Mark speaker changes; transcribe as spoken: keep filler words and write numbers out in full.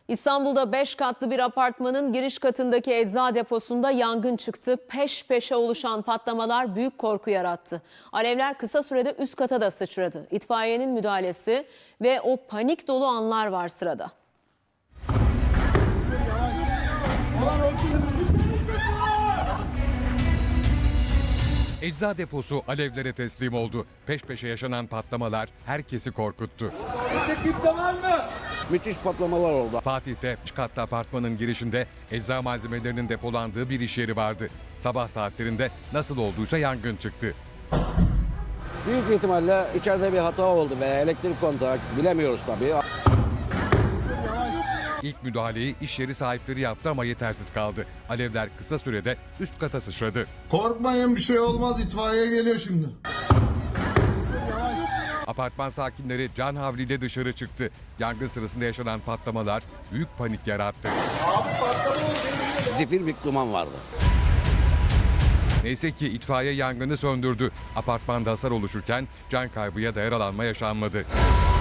Speaker 1: İstanbul'da beş katlı bir apartmanın giriş katındaki ecza deposunda yangın çıktı. Peş peşe oluşan patlamalar büyük korku yarattı. Alevler kısa sürede üst kata da sıçradı. İtfaiyenin müdahalesi ve o panik dolu anlar var sırada.
Speaker 2: Ecza deposu alevlere teslim oldu. Peş peşe yaşanan patlamalar herkesi korkuttu.
Speaker 3: Müthiş patlamalar oldu.
Speaker 2: Fatih'te üç katlı apartmanın girişinde ecza malzemelerinin depolandığı bir iş yeri vardı. Sabah saatlerinde nasıl olduysa yangın çıktı.
Speaker 3: Büyük ihtimalle içeride bir hata oldu veya elektrik kontağı, bilemiyoruz tabii.
Speaker 2: İlk müdahaleyi iş yeri sahipleri yaptı ama yetersiz kaldı. Alevler kısa sürede üst kata sıçradı.
Speaker 4: Korkmayın, bir şey olmaz, itfaiye geliyor şimdi.
Speaker 2: Apartman sakinleri can havliyle dışarı çıktı. Yangın sırasında yaşanan patlamalar büyük panik yarattı.
Speaker 3: Zifir bir duman vardı.
Speaker 2: Neyse ki itfaiye yangını söndürdü. Apartmanda hasar oluşurken can kaybı ya da yaralanma yaşanmadı.